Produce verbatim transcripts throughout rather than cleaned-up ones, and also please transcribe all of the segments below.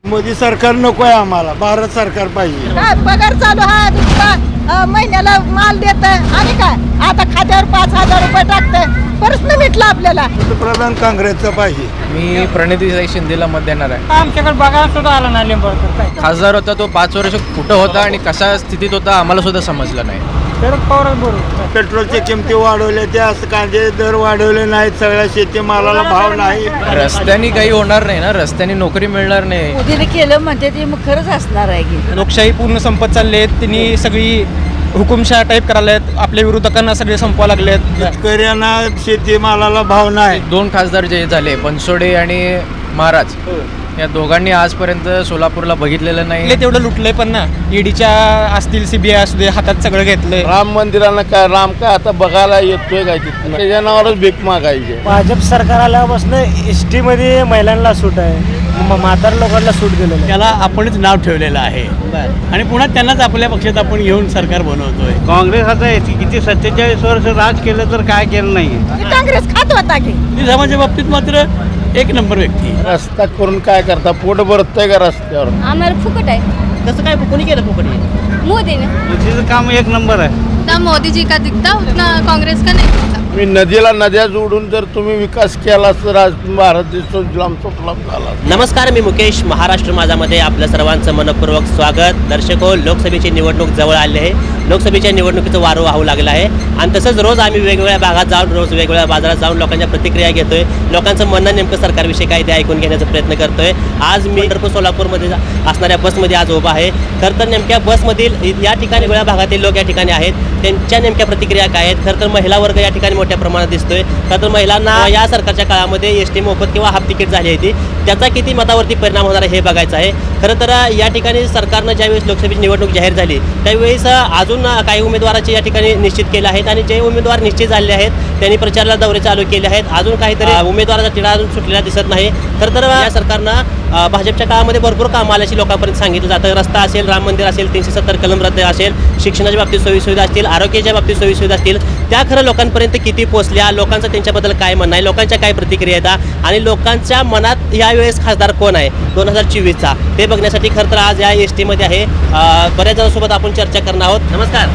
मोदी सरकार नको आहे आम्हाला, भारत सरकार पाहिजे. काय पगार चालू आहे दुसरा अ, महिन्याला माल देत आणि काय आता खात्यावर पाच हजार रुपये टाकतंय. प्रश्न मिटला आपल्याला. पंतप्रधान काँग्रेसचं पाहिजे. मी प्रणितीताई शिंदेला मत देणार आहे. आमच्याकडे बघायला सुद्धा आला नाही लिंबाळकर काय खासदार होता तो पाच वर्ष कुठं होता आणि कशा स्थितीत होता आम्हाला सुद्धा समजलं नाही. शरद पवार बरोबर. पेट्रोलच्या किमती वाढवल्या, त्या कांदे दर वाढवले नाहीत, सगळ्या शेतीमालाला भाव नाही. रस्त्याने काही होणार नाही ना, रस्त्याने नोकरी मिळणार नाही. मोदीने केलं म्हणते ते मग खरंच असणार आहे की. लोकशाही पूर्ण संपत चालली आहे. त्यांनी सगळी हुकुमशाह टाईप करायला आहेत. आपल्या विरोधकांना सगळे संपवा लागलेत. शेतकऱ्यांना शेतीमालाला भाव नाही. दोन खासदार जे झाले बनसोडे आणि महाराज या दोघांनी आजपर्यंत सोलापूरला बघितलेलं नाही. तेवढं लुटलंय पण ना, ईडीच्या असतील सीबीआय असू दे, हातात सगळं घेतलंय. राम मंदिराला काय राम काय आता बघायला येतोय काय तिथं, त्याच्या नावावरच भीक मागायची. भाजप सरकार आल्यापासून एस टी मध्ये महिलांना सूट आहे, म्हातार लोकांना सूट दिलेलं आहे. त्याला आपणच नाव ठेवलेलं आहे आणि पुन्हा त्यांनाच आपल्या पक्षात आपण घेऊन सरकार बनवतोय. काँग्रेस आता किती सत्तेचाळीस वर्ष राज केलं तर काय केलं नाही. काँग्रेस खात होता की. निजामाच्या बाबतीत मात्र एक नंबर व्यक्ती. रस्ता करून काय करता, पोट भरतंय का रस्त्यावर? आम्हाला फुकट आहे. तसं काय कोणी केलं फुकट? मोदी ने तिचं काम एक नंबर आहे. ना मोदी जी का दिखता उतना कांग्रेस का नहीं दिखता. मी नदीला नद्या जोडून जर तुम्ही विकास केला तर आज भारत देश सुजलाम सुफलाम झाला. नमस्कार, मी मुकेश. महाराष्ट्र माझामध्ये आपलं सर्वांचं मनपूर्वक स्वागत. दर्शको, लोकसभेची निवडणूक जवळ आली आहे. लोकसभेच्या निवडणुकीचं वारं वाहू लागलं आहे आणि तसंच रोज आम्ही वेगवेगळ्या भागात जाऊन रोज वेगवेगळ्या बाजारात जाऊन लोकांच्या प्रतिक्रिया घेतोय. लोकांचं म्हणणं नेमकं सरकारविषयी काय ते ऐकून घेण्याचा प्रयत्न करतोय. आज मी पंढरपूर सोलापूरमध्ये असणाऱ्या बसमध्ये आज उभा आहे. खरं तर नेमक्या बसमधील या ठिकाणी वेगळ्या भागातील लोक या ठिकाणी आहेत. त्यांच्या नेमक्या प्रतिक्रिया काय आहेत? खरं तर महिला वर्ग या ठिकाणी मोठ्या प्रमाणात दिसतोय. खरं तर महिलांना या सरकारच्या काळामध्ये एस टी मोफत किंवा हाफ तिकीट झाली होती, त्याचा किती मतावरती परिणाम होणार आहे हे बघायचं आहे. खरं तर या ठिकाणी सरकारनं ज्यावेळेस लोकसभेची निवडणूक जाहीर झाली त्यावेळेस अजून काही उमेदवाराचे या ठिकाणी निश्चित केलं आहेत आणि जे उमेदवार निश्चित झालेले आहेत त्यांनी प्रचाराला दौरे चालू केले आहेत. अजून काहीतरी उमेदवाराचा तिढा अजून सुटलेला दिसत नाही. खरं तर या सरकारनं भाजपच्या काळामध्ये भरपूर कामं आल्याची लोकांपर्यंत सांगितलं जातं. रस्ता असेल, राम मंदिर असेल, तीनशे सत्तर कलम रद्द असेल, शिक्षणाच्या बाबतीत सोयीसुविधा असतील, आरोग्याच्या बाबतीत सोयीसुविधा असतील, त्या खरं लोकांपर्यंत किती पोहोचल्या, लोकांचं त्यांच्याबद्दल काय म्हणणं आहे, लोकांच्या काय प्रतिक्रिया येतात आणि लोकांच्या मनात यावेळेस खासदार कोण आहे दोन हजार चोवीसचा ते बघण्यासाठी खरं तर आज या एस टीमध्ये आहे. बऱ्याच जणांसोबत आपण चर्चा करणार आहोत. नमस्कार.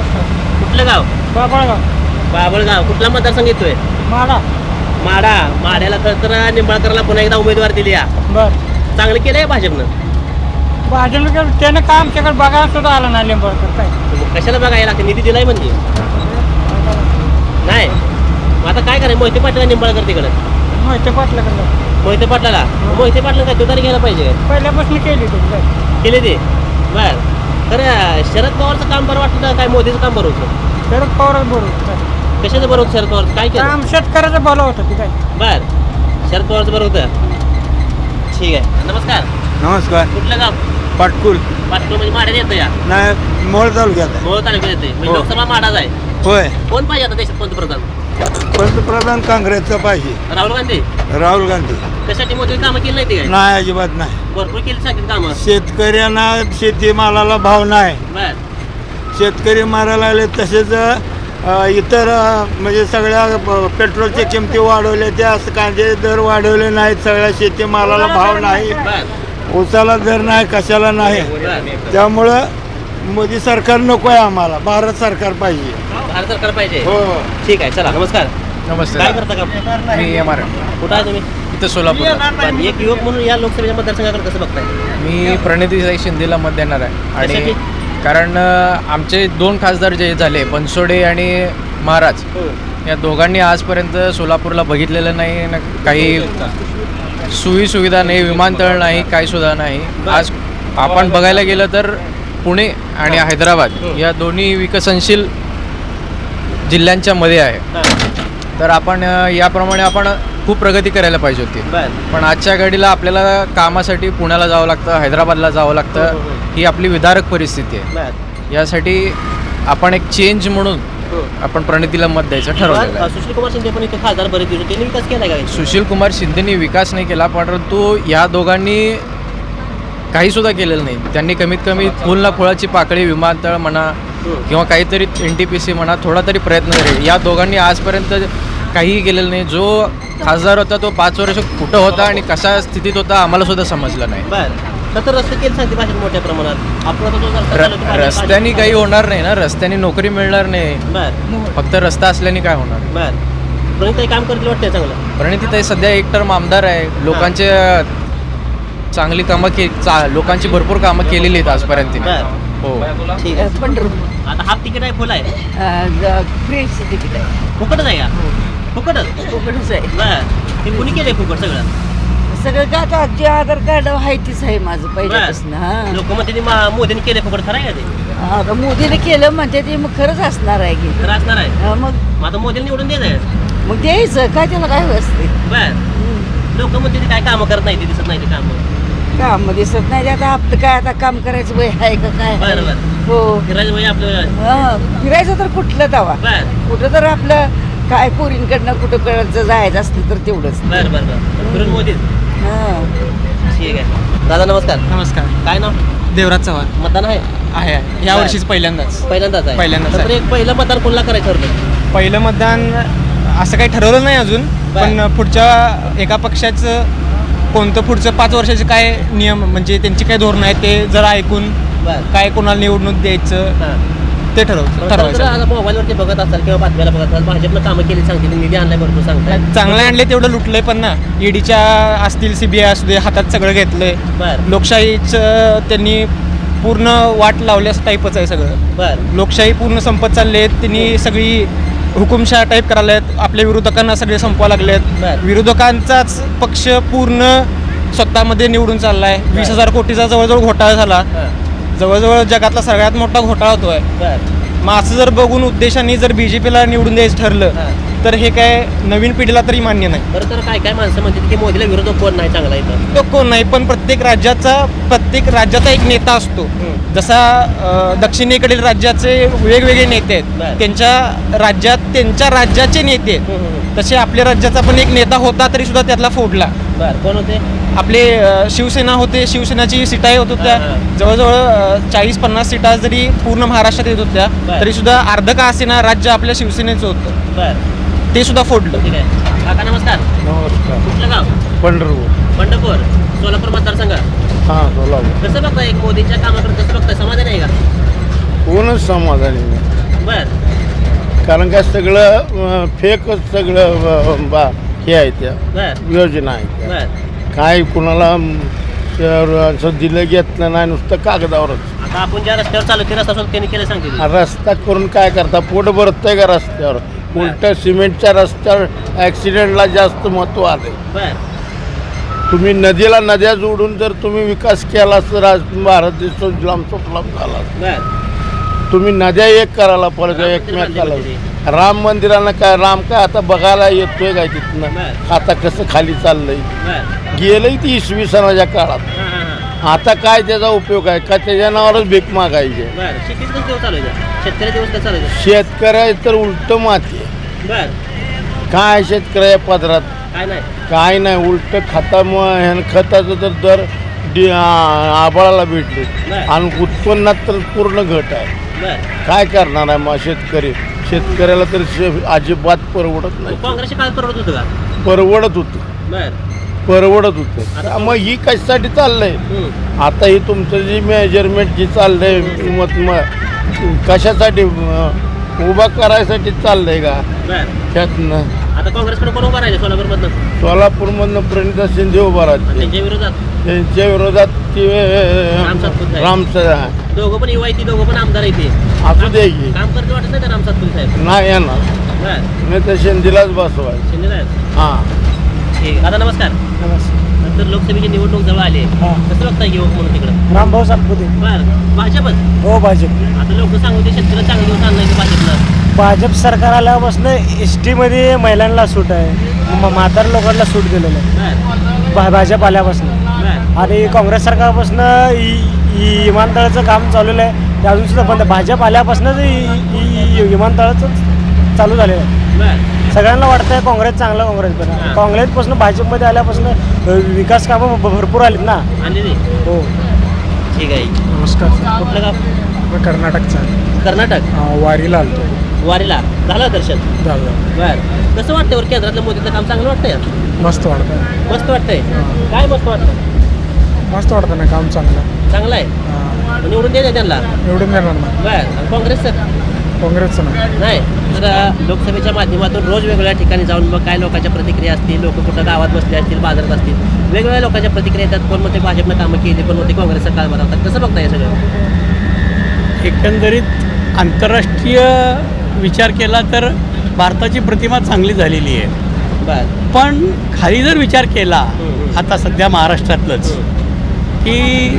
कुठलं गाव? बाबळगाव. बाबळगाव. कुठला मतदारसंघ येतोय? माडा. माडा. माड्याला खरं तर निंबाळकरला पुन्हा एकदा उमेदवार दिली. या बर चांगलं केलं आहे भाजपनं. भाजप त्यानं काय आमच्याकडे बघायला सुद्धा आला नाही लिंबाळकर काय. कशाला बघायला लागते? निधी दिलाय म्हणजे नाही. मग आता काय करायचं? मोहिते पाटील निंबाळकर तिकडं. मोहिते पाटलाकडे. मोहिते पाटलाला मोहिते पाटला काय तुतारी घ्यायला पाहिजे? पहिल्यापासून केली तुम्ही केले ते बर. खरं शरद पवारचं काम बरं वाटतं का काय मोदीचं काम बरं होतं? शरद पवार बरोबर. कशाचं बरं होतं शरद पवार? काय केलं? काम शेतकऱ्याचं भलं होतं की काय. बर. शरद पवारचं बरं होतं. ठीक आहे. नमस्कार. नमस्कार. कुठलं गाव? पाटकुल. पाटकुल म्हणजे माड्यात येतं या नाही, मोहोळ तालुक्यात आहे. मोहोळ तालुक्यात येते म्हणजे हो. लोकसभा माडाच आहे. होय. कोण पाहिजे आता देशात पंतप्रधान? पंतप्रधान काँग्रेसचं पाहिजे. राहुल गांधी. राहुल गांधी. कशासाठी मोदी कामं केली नाही ते काय? नाही, अजिबात नाही. भरपूर केली सांगितलं कामं. शेतकऱ्यांना शेतीमालाला भाव नाही. बर. शेतकरी मारायला लागले. तसेच अ, इतर अ, म्हणजे सगळ्या अ, पेट्रोलच्या किमती वाढवल्या, त्या कांदे दर वाढवले नाहीत, सगळ्या शेतीमालाला भाव नाही, बर. उसाला दर नाही, कशाला नाही. बर. त्यामुळं मोदी सरकार नको आहे आम्हाला, भारत सरकार पाहिजे. भारत सरकार पाहिजे. हो. ठीक आहे. चला. नमस्कार. नमस्ते. काय करता का? मी एम आर कुठं आहे तुम्ही? इथं सोलापूर. पण एक युवक म्हणून या लोकसभेच्या मतदारसंघाकडे कसं बघताय? मी प्रणितीताई शिंदेला मत देणार आहे. आणि कशासाठी? कारण अ, आमचे दोन खासदार जे झाले बनसोडे आणि महाराज या दोघांनी आजपर्यंत सोलापूरला बघितलेलं नाही ना, काही सोयी सुविधा नाही, विमानतळ नाही, काही सुद्धा नाही. आज आपण बघायला गेलं तर पुणे आणि हैदराबाद या दोन्ही विकसनशील जिल्ह्यांच्या मध्ये आहे. तर आपण अ, याप्रमाणे आपण खूप प्रगती करायला पाहिजे होती. बर. पण आजच्या घडीला आपल्याला कामासाठी पुण्याला जावं लागतं, हैदराबादला जावं लागतं. ही आपली विदारक परिस्थिती आहे. बर. यासाठी आपण एक चेंज म्हणून आपण प्रणितीला मत द्यायचं ठरवलेलं आहे. सुशील कुमार शिंदे पण इथे खासदार बरेच दिवस त्यांनी विकास केला का? सुशील कुमार शिंदेनी विकास नाही केला, परंतु या दोघांनी काही सुद्धा केलेलं नाही. त्यांनी कमीत कमी फुल ना फुलाची पाकळी, विमानतळ म्हणा किंवा काहीतरी एन टी पी सी म्हणा, थोडा तरी प्रयत्न करेल. या दोघांनी आजपर्यंत काहीही केलेलं नाही. जो खासदार होता तो पाच वर्ष कुठं होता आणि कशा स्थितीत होता आम्हाला सुद्धा समजलं नाही. बर. तर रस्ते केले सांगते भाषेत मोठ्या प्रमाणात आपण आता जो रस्ता र- चालवतो, पाणी- रस्त्याने काही होणार नाही ना, रस्त्याने नोकरी मिळणार नाही, बर फक्त रस्ता असल्याने काय होणार. बर प्रणिताई काम करतील वाटतंय चांगलं. प्रणितीताई सध्या एक टर्म आमदार आहे, लोकांचे चांगली कामं के चा लोकांची भरपूर कामं केलेली आहेत आजपर्यंत तिने. बर हो. ठीक आहे. पंढरपूर आता हाफ तिकीट आहे फुल आहे फ्रीचं तिकीट आहे फुकटच आहे का फुकटच फुकटच आहे बर ते कुणी केलंय फुकट सगळं. सगळं का आता जे आधार कार्ड आहे तीच आहे माझं पहिल्यापासून हा लोक मग त्यांनी मोदीने केले फुकट खरं आहे का ते आता मोदीने केलं म्हणते ते मग खरंच असणार आहे की खरं असणार आहे. हा, मग मग आता मोदीने निवडून द्यायचं मग द्यायचं काय त्याला काय असते बर लोक म्हणते ते काय कामं करत नाही ते दिसत नाही ते कामं काम दिसत नाही ते आता आपलं काय आता काम करायचं वय आहे का काय आहे? बरं, बरं. हो फिरायचं म्हणजे आपलं हा, फिरायचं तर कुठलं तवा बर कुठं तर आपलं काय पोरींकडनं कुठं कडचं जायचं असलं तर तेवढंच बर बर बर फिरून मोदीच हा ठीक आहे. दादा नमस्कार. नमस्कार. काय नाव देवराज चव्हाण मतदान आहे आहे आहे. या वर्षीच पहिल्यांदाच पहिल्यांदाच आहे पहिल्यांदाच तर आहे. एक पहिलं मतदान कोणाला करायचं ठरलं. पहिलं मतदान असं काही ठरवलं नाही अजून, पण पुढच्या एका पक्षाचं कोणतं पुढचं पाच वर्षाचे काय नियम म्हणजे त्यांची काय धोरणं आहेत ते जरा ऐकून बर काय कोणाला निवडणूक द्यायचं हां ते ठरव ठरवायचं. आता मोबाईलवरती बघत असाल किंवा बातम्याला बघत असाल भाजपनं कामं केली सांगते निधी आणलाय भरपूर सांगताय. चांगलं आणले तेवढं लुटलंय पण ना, ईडीच्या असतील सीबीआय असू दे हातात सगळं घेतलंय. बर लोकशाहीचं त्यांनी पूर्ण वाट लावल्यास टाईपच आहे सगळं. बर लोकशाही पूर्ण संपत चालली आहेत. त्यांनी सगळी हुकुमशाह टाईप करायला आहेत. आपल्या विरोधकांना सगळे संपवा लागले आहेत. बर विरोधकांचाच पक्ष पूर्ण स्वतःमध्ये निवडून चालला आहे. वीस हजार कोटीचा जवळजवळ घोटाळा झाला. हां जवळजवळ जगातला सगळ्यात मोठा घोटाळा होतोय. बर मग असं जर बघून उद्देशाने जर बी जे पीला निवडून द्यायचं ठरलं हां तर हे काय नवीन पिढीला तरी मान्य नाही. बरं तर काय काय माणसं म्हणतात की मोदीला विरोधक कोण नाही चांगला इथं. तो कोण नाही, पण प्रत्येक राज्याचा प्रत्येक राज्याचा एक नेता असतो. जसा अ, दक्षिणेकडील राज्याचे वेगवेगळे नेते बरं. आहेत, त्यांच्या राज्यात त्यांच्या राज्याचे नेते आहेत. हम्म, हम्म. तसे आपल्या राज्याचा पण एक नेता होता तरी सुद्धा त्यातला फोडला. बर कोण होते. आपले अ, शिवसेना होते, शिवसेनाची सीटाही होत होत्या. हां, हां. जवळजवळ चाळीस पन्नास सीटा जरी पूर्ण महाराष्ट्रात येत होत्या बरं. तरी सुद्धा अर्ध का असेना राज्य आपल्या शिवसेनेचं होतं, बर ते सुद्धा फोडलं. ठीक आहे. काका नमस्कार. नमस्कार. कुठलं गाव. पंढरपूर. पंढरपूर सोलापूर मतदारसंघ. हां सोलापूर. कसं बघताय एक मोदींच्या कामाकडे कसं बघताय समाधान आहे का. कोणच समाधानी नाही, बर कारण काय सगळं फेकच सगळं अं, बा हे आहे त्या बर योजना आहे बर काय कुणाला अं, असं दिलं घेतलं नाही, नुसतं कागदावरच. आता आपण ज्या रस्त्यावर चालू ते रस्ता सोबत त्यांनी केलं सांगते ती. हा रस्ता करून काय करता, पोट भरतंय का रस्त्यावर. उलट सिमेंटच्या रस्त्यावर ॲक्सिडेंटला जास्त महत्त्व आले. बर तुम्ही नदीला नद्या जोडून जर तुम्ही विकास केला तर आज भारत देश सुजलाम सुफलाम झाला. बर तुम्ही नद्या एक करायला पाहिजे राम मंदिर एकमेकाला. बांधले राम मंदिरानं काय राम काय आता बघायला येतोय काय तिथनं, बरं. आता कसं खाली चाललंय. बर गेलंय ती इसवी सणाच्या काळात. हां हां हां आता काय त्याचा उपयोग आहे का, त्याच्या नावावरच भीक मागायचे. बर शेतीच कसं दिवस चालू आहे शेतकरी दिवस कसं चालू आहे. शेतकऱ्या तर उलट माती आहे. बर काय शेतकऱ्या पदरात काय नाही. काय नाही, उलट खता ह्यानं खताचं तर दर डि- आ- आभाळाला भेटले बरं. आणि उत्पन्नात तर पूर्ण घट आहे. बर काय करणार आहे मग शेतकरी. शेतकऱ्याला तर शे- अजिबात परवडत नाही. काँग्रेसच्या काळात परवडत होतं का. परवडत होतं बर परवडत होतं मग ही कशासाठी चाललंय. हम्म. आता ही तुमचं जी मेजरमेंट जी चाललंय मत म- कशासाठी अं, उभा करायसाठी चाललंय का बर त्यातनं. आता काँग्रेसकडे कोण उभा राहिले सोलापूरमधनं. सोलापूरमधनं प्रणिता शिंदे उभा राहते. त्यांच्या विरोधात त्यांच्या विरोधात ते राम सातपुते. राम दोघं पण युवा आहेत ती दोघं पण आमदार आहेत ते. असू दे की काम करते वाटत नाही का राम सातपुते साहेब. नाही येणार, बर नाही तर शिंदेलाच बसवाय. शिंदे साहेब हां ठीक. दादा नमस्कार. नंतर लोकसभेची निवडणूक जवळ आली आहे. कसं बघताय युवक म्हणून तिकडं. रामभाऊ सातपुते. बर भाजपच. हो भाजप. आता लोक सांगू ते शेतकऱ्याला चांगले दिवस आणलाय की भाजपनं. भाजप सरकार आल्यापासून एस टीमध्ये महिलांना सूट आहे, म- म्हातार लोकांना सूट दिलेलं आहे बर भा भाजप आल्यापासून. बर आणि काँग्रेस सरकारपासून विमानतळाचं काम चाललेलं आहे ते अजून सुद्धा बंद. भाजप आल्यापासूनच विमानतळाचं चालू झालेलं आहे. बर सगळ्यांना वाटतंय काँग्रेस चांगलं, काँग्रेस हां. बरं. काँग्रेसपासून भाजपमध्ये आल्यापासून विकास कामं भ- भरपूर आलीत ना. आणले नाही. हो. ठीक आहे. नमस्कार. कुठलं गाव. कर्नाटकचा कर्नाटक. वारीला आलतो. वारीला झालं दर्शन. झालं. बर कसं वाटतंय वर केंद्रातलं मोदीचं काम चांगलं वाटतंय. मस्त वाटतं. मस्त वाटतंय. काय मस्त वाटतं. मस्त वाटतं ना काम चांगलं चांगलं आहे निवडून द्यायचं त्यांना निवडून देणार ना बर आणि काँग्रेसचं काँग्रेसचं नाही नाही तर लोकसभेच्या माध्यमातून रोज वेगवेगळ्या ठिकाणी जाऊन मग काय लोकांच्या प्रतिक्रिया असतील लोक कुठं गावात बसले असतील बाजारात असतील वेगवेगळ्या लोकांच्या प्रतिक्रिया येतात कोण म्हणते भाजपनं कामं केली कोण म्हणते काँग्रेसचं काळ बनवतात कसं बघता हे सगळं एकंदरीत आंतरराष्ट्रीय विचार केला तर भारताची प्रतिमा चांगली झालेली आहे बर पण खाली जर विचार केला आता सध्या महाराष्ट्रातलंच की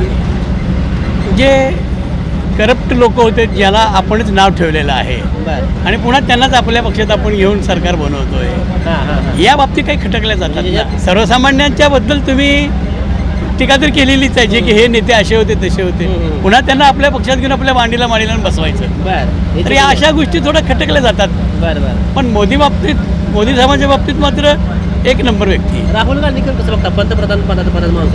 जे करप्ट लोक होते ज्याला आपणच नाव ठेवलेलं आहे बर आणि पुन्हा त्यांनाच आपल्या पक्षात आपण घेऊन सरकार बनवतोय हां हां या बाबतीत काही खटकल्या जातात ना सर्वसामान्यांच्या बद्दल तुम्ही टीका तर केलेलीच आहे जे की हे नेते असे होते तसे होते पुन्हा त्यांना आपल्या पक्षात घेऊन आपल्या मांडीला मांडीला बसवायचं बर तर या अशा गोष्टी थोड्या खटकल्या जातात बर बर पण मोदी बाबतीत मोदी साहेबांच्या बाबतीत मात्र एक नंबर व्यक्ती आहे. राहुल गांधीकर कसं बघता पंतप्रधान पदाचा पदाचा माणूस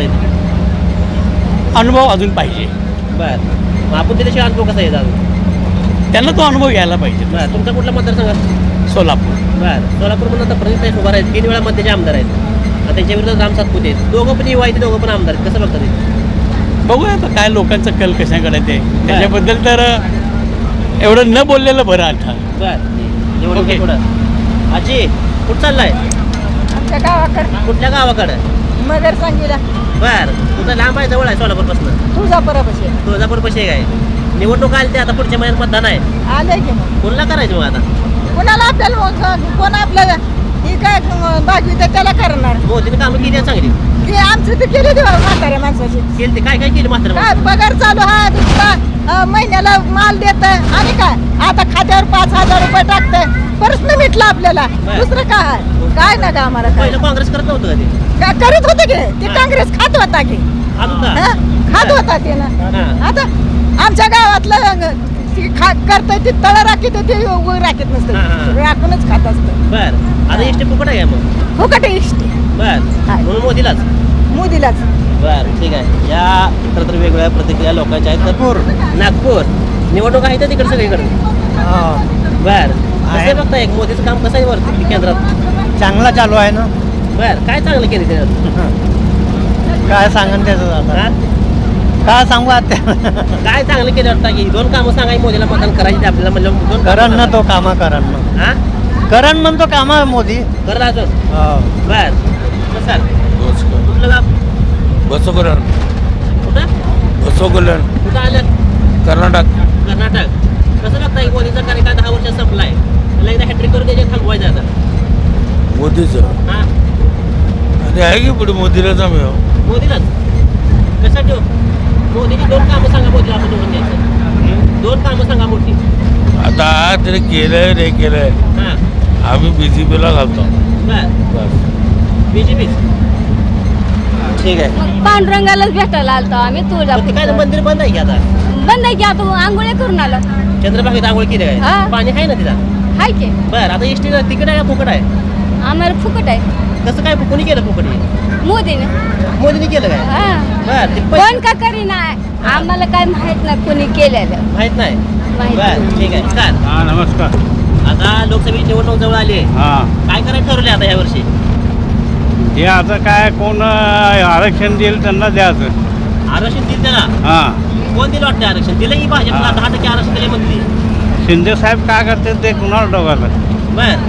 आहेत अनुभव अजून पाहिजे बर मग आपण त्याच्याशिवाय अनुभव कसा येतात त्यांना तो अनुभव घ्यायला पाहिजे बर तुमचा कुठला मतदारसंघ सोलापूर बर सोलापूरमधून आता प्रणित उभा आहेत तीन वेळा मध्यचे आमदार आहेत आता त्यांच्या विरोधात राम सातपुते आहेत दोघं पण युवा आहेत दोघं पण आमदार आहेत कसं बघता ते बघूया आता काय लोकांचा कल कशाकडे ते त्याच्याबद्दल तर एवढं न बोललेलं बरं आता बर एवढं ओके. थोडं आजी कुठं चाललाय आमच्या गावाकडे कुठल्या गावाकडं मगर सांगीला बर तुझं लांब आहे जवळ आहे सोलापूरपासून तुझा परपाशी तुळजापूर पैसे काय निवडणूक आली ते आता पुढच्या महिन्यात मतदान आहे आलंय की मग कोणला करायचं मग आता कोणाला आपल्याला मग कोण आपल्याला ही काय बाजू तर त्याला करणार मोदीने कामं केली आहे चांगली की आमचं ते केले देवा म्हाताऱ्या माणसाची केली ते काय काय केली मात्र काय पगार चालू हा दुसरा अं, महिन्याला माल देत आणि काय आता खात्यावर पाच हजार रुपये टाकतंय प्रश्न मिटला आपल्याला बरं. दुसरं काय काय ना का आम्हाला काय पहिलं काँग्रेस करत नव्हतं का ते काय करत होते की ते काँग्रेस खात होता की आज होता हा? खात होता ते ना हा. आता आमच्या गावातलं ती खा करतंय ते तळ राखीत ते उभं राखीत हा, नसतं हा. राखूनच खात असतं बर आता एसटी फुकट आहे का मग फुकट आहे इष्टी बर हाय. म्हणून मोदीलाच मोदीलाच बर ठीक आहे या इतर तर वेगवेगळ्या प्रतिक्रिया लोकांच्या आहेत नागपूर नागपूर निवडणूक आहे तर तिकडे सगळीकडे बर कसं बघता एक मोदीचं काम कसं आहे वरती केंद्रात चांगला चालू आहे ना बर काय चांगलं केलं त्याच्यात काय सांगन त्याचं आता हा? काय सांगू आता काय चांगलं केलं वाटतं की दोन कामं सांगा मोदीला मतदान करायची आपल्याला म्हणलं दोन कामं करण ना सांगा. तो कामा करण ना हा करण म्हणतो कामा मोदी करत अजून हो. बर बसाल कुठलं गाव बसोकरण कुठं बसोकरण कुठं आलं कर्नाटक कर्नाटक कसं बघता की मोदीचा कार्यकाळ दहा वर्षात संपला आहे त्याला एकदा हॅट्रिक करून त्याच्यात थांबवायचं आता मोदीचं हा आणि आहे की पुढे मोदीला जमेव मोदीलाच कसा ठेव मोदीची दोन कामं सांगा मोदीला आपण निवडून द्यायचं दोन कामं सांगा मोठी आता त्याने केलंय नाही केलंय हां आम्ही बी जे पीला घालतो बर बस बी जे पी ठीक आहे पांडुरंगालाच भेटायला आलतो आम्ही पण ते काय तुळजापूर मंदिर बंद आहे की आता बंद आहे की आता आंघोळ्या करून आलो चंद्रभागेत आंघोळ केली हा. काय पाणी आहे ना तिथं हाय की बर आता एस टी तिकीट आहे का फुकट आहे आम्हाला फुकट आहे कसं काय कोणी केलं फुकट हे? मोदीने मोदीने केलं काय हा बर ते कोण पैसे का करीना आम्हाला काय माहित नाही कोणी केलेलं माहित नाही माहित बर ठीक आहे काय हां नमस्कार आता लोकसभेची निवडणूक जवळ आली आहे हां काय करायचं ठरवले आता या वर्षी हे आता काय कोण आरक्षण देईल त्यांना द्यायचं आरक्षण दिलं त्याला हां कोण दिलं वाटतं आरक्षण दिलं की भाजपला दहा टक्के आरक्षण दिले म्हणते शिंदे साहेब काय करतात ते कुणाला डोकायला बर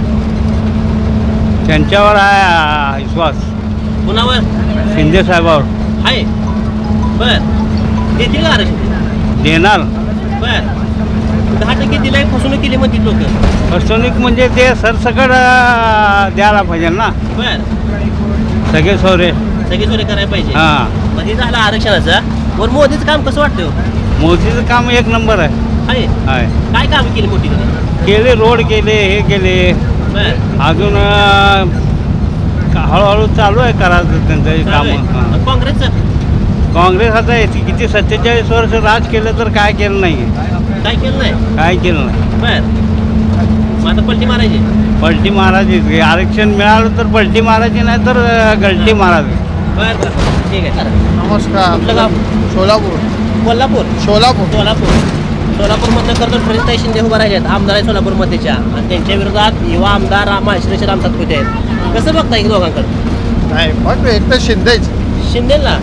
त्यांच्यावर आहे विश्वास कुणावर शिंदे साहेबावर आहे बर देतील का आरक्षण देणार बर दहा टक्के दिलाय फसवणूक केली म्हणतील लोक फसवणूक म्हणजे ते सरसकट अं, द्यायला पाहिजे ना बर सगळे सोरे सगळी सोय करायला पाहिजे हां मध्ये झालं आरक्षणाचं वर मोदीचं काम कसं वाटतं हो? मोदीचं काम एक नंबर आहे आहे आहे काय काम केली मोठी त्यांनी केले रोड केले हे केले बर अजून अं, का- हळूहळू चालू आहे करायचं त्यांचं चालू आहे. काम मग काँग्रेसचं काँग्रेस आता येते किती सत्तेचाळीस वर्ष राज केलं तर काय केलं नाही काय केलं नाही काय केलं नाही बर मग आता पलटी मारायची पलटी मारायची आरक्षण मिळालं तर पलटी मारायची नाही तर अं, गलटी मारायची बर बर ठीक आहे चालेल. नमस्कार कुठलं गाव सोलापूर कोल्हापूर सोलापूर सोलापूर सोलापूरमधनं करतो प्रणिताई शिंदे उभा राहिले आहेत आमदार आहे सोलापूरमध्येच्या आणि त्यांच्या विरोधात युवा आमदार माहेश्वरीचे राम सातपुते आहेत कसं बघता एक दोघांकडे नाही पण एक तर शिंदेच शिंदेला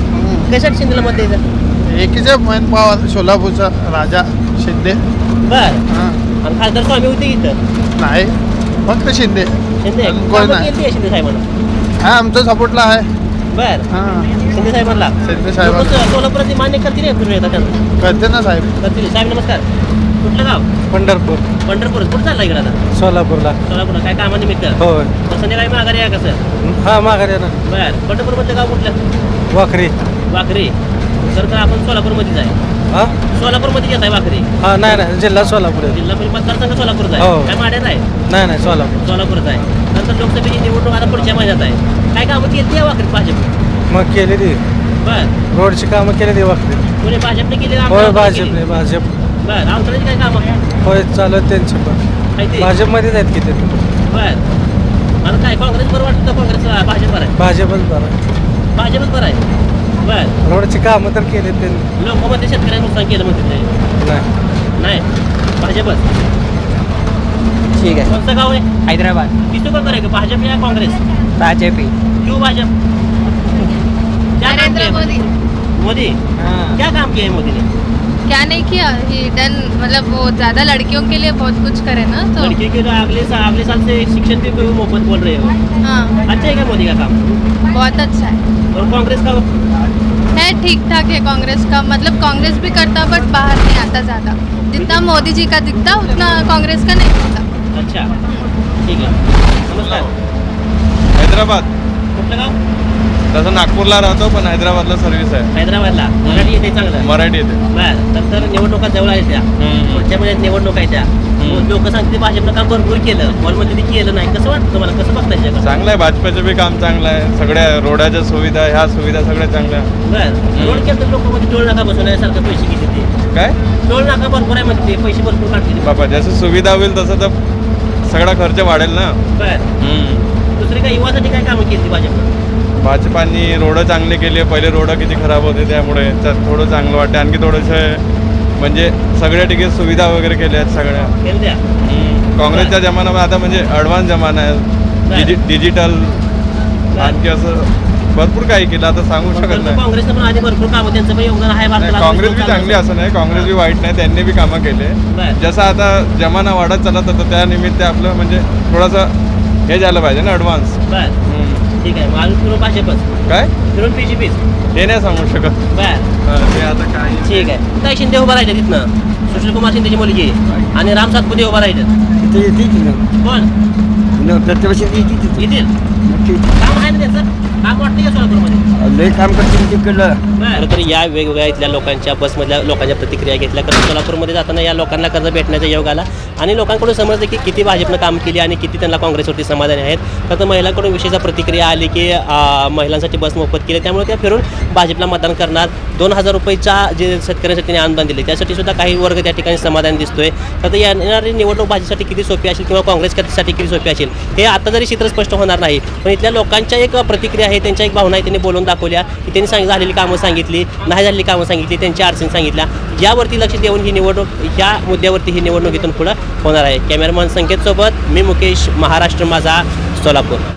कशासाठी शिंदेला मत द्यायचं? एकीचे मन पवार सोलापूरचा राजा शिंदे. बर हां आणि खासदार स्वामी होते इथं नाही फक्त शिंदे. शिंदे आणि कोण कामं नाही. केली आहे शिंदे साहेबांना? हा आमचा सपोर्टला आहे. बर हां शिंदे साहेबांना शिंदे साहेबांना. लोकं सोलापुरात ते मान्य करतील हे फिरून येतात त्यांना करते ना साहेब. करतील. साहेब नमस्कार. कुठलं गाव? पंढरपूर पंढरपूर. कुठं चालला इकडे आता? सोलापूरला सोलापूरला काय कामानिमित्त? होय मग संध्याकाळी माघारी आहे कसं? हा माघारी ना बर पंढरपूरमधलं गाव कुठलं? वाखरी वाखरी. तर तर आपण सोलापूरमध्येच आहे. हा सोलापूरमध्ये येत आहे वाखरी. हा नाही नाही जिल्हा सोलापूर आहे. जिल्हा परिषद मतदारसंघ सोलापूरचा हो. आहे. काय माड्यात आहे? नाही नाही सोलापूर सोलापूरचा आहे. नंतर लोकसभेची निवडणूक आता पुढच्या महिन्यात आहे. काय कामं केली आहे वाखरीत भाजप? मग केली ती बर रोडची कामं केली ती वाखरी. कोणी भाजपने केली? होय भाजपने भाजप बर अवतराची काय कामं होय चालू आहेत त्यांची पण आहे ते? भाजपमध्येच आहेत किती बर मला काय काँग्रेस बरं वाटतं का काँग्रेस भाजप बरं आहे? भाजपच बरं भाजपच बरं आहे. बर रोडची कामं तर केली त्यांनी लोकमध्ये शेतकऱ्यांनी नुकसान केलं म्हणते ते. नाही नाही भाजपच. ठीक आहे. कोणतं गाव आहे? हैदराबाद. किसको कर करेगा भाजप या कांग्रेस? भाजपी. क्यों भाजप? क्या काम किया है? मोदी मोदी क्या काम किया है मोदी ने? क्या नहीं किया ही डन मतलब वो ज़्यादा लड़कियों के लिए बहुत कुछ करे ना तो लड़की के तो अगले साल अगले साल से शिक्षण भी कोई मुफ्त बोल रहे हो. हाँ अच्छा है क्या मोदी का काम? बहुत अच्छा है और कांग्रेस का? है ठीक ठाक है कांग्रेस का मतलब कांग्रेस भी करता बट बाहर नहीं आता ज़्यादा जितना मोदी जी का दिखता उतना कांग्रेस का नहीं दिखता. अच्छा ठीक है. नमस्कार. हैदराबाद. कुठलं गाव? तसं नागपूरला राहतो पण हैदराबादला सर्व्हिस आहे. हैदराबादला. मराठी येते चांगलं? मराठी येते. बर तर तर निवडणुका जवळ आहेत त्या. पुढच्या महिन्यात निवडणूक आहे त्या. लोक सांगते भाजपनं काम भरपूर केलं वॉलमध्ये ते केलं नाही. कसं वाटतं तुम्हाला? कसं बघताय जगात? चांगलं आहे भाजपाचं बी काम चांगलं आहे. सगळ्या रोडाच्या सुविधा ह्या सुविधा सगळ्या चांगल्या. बर रोड केलं तर लोकांमध्ये टोल नाका बसवण्यासारखं पैसे किती ते? काय टोल नाका भरपूर आहे म्हणते ते पैसे भरपूर काढते. बाबा जसं सुविधा होईल तसं तर सगळा खर्च वाढेल ना. बर दुसरी काय युवासाठी काय कामं केली भाजपनं? भाजपानी रोडं चांगले केले. पहिले रोडं किती खराब होते त्यामुळे त्यात थोडं चांगलं वाटतं. आणखी थोडंसं म्हणजे सगळ्या ठिकाणी सुविधा वगैरे केल्या आहेत सगळ्या. केलं द्या. काँग्रेसच्या जमान्यामध्ये आता म्हणजे ॲडव्हान्स जमाना आहे. डिजि डिजिटल आणखी असं भरपूर काही केलं आता सांगू शकत परंतु नाही. काँग्रेसनं पण आधी भरपूर कामं त्यांचं पण योगदान आहे नाही, भारताला. काँग्रेस बी चांगली असं नाही. काँग्रेस बी वाईट नाही. त्यांनी बी कामं केले. बर जसं आता जमाना वाढत चालत होता त्यानिमित्त आपलं म्हणजे थोडंसं हे झालं पाहिजे ना ॲडव्हान्स. बर ठीक आहे. मग अजून फिरून भाजपच काय फिरून पी जी पीच. ते नाही सांगू शकत. बर हा, ते आता काय ठीक आहे. काय शिंदे उभा राहिले तिथनं सुशील कुमार शिंदेची मुलगी आणि राम सातपुते उभा राहिले. कोण येतील? काम आहे ना त्याचं? काम वाटतं का सोलापूरमध्ये? लय काम करतील तिकडलं. खरं तर या वेगवेगळ्या इथल्या लोकांच्या बसमधल्या लोकांच्या प्रतिक्रिया घेतल्या. कारण सोलापूरमध्ये जाताना या लोकांना कर्ज भेटण्याचा योग आला आणि लोकांकडून समजलं की किती भाजपनं काम केली आणि किती त्यांना काँग्रेसवरती समाधानी आहेत. खरं तर महिलांकडून विशेष प्रतिक्रिया आली की आ, महिलांसाठी बस मोफत केली त्यामुळे त्या फिरून भाजपला मतदान करणार. दोन हजार रुपयेच्या जे शेतकऱ्यांसाठी त्यांनी अनुदान दिले त्यासाठी सुद्धा काही वर्ग त्या ठिकाणी समाधान दिसतोय. तर येणारी निवडणूक भाजपसाठी किती सोपी असेल किंवा काँग्रेससाठी किती सोपी असेल हे आता जरी चित्र स्पष्ट होणार नाही. पण इथल्या लोकांच्या एक प्रतिक्रिया आहे, त्यांच्या एक भावना आहे, त्यांनी बोलून दाखवल्या की त्यांनी सांग झालेली कामं सांगितली, नाही झालेली कामं सांगितली, त्यांच्या अडचणी सांगितल्या. यावरती लक्ष देऊन ही निवडणूक ह्या मुद्द्यावरती ही निवडणूक इथून पुढं होणार आहे. कॅमेरामॅन संकेतसोबत मी मुकेश, महाराष्ट्र माझा, सोलापूर.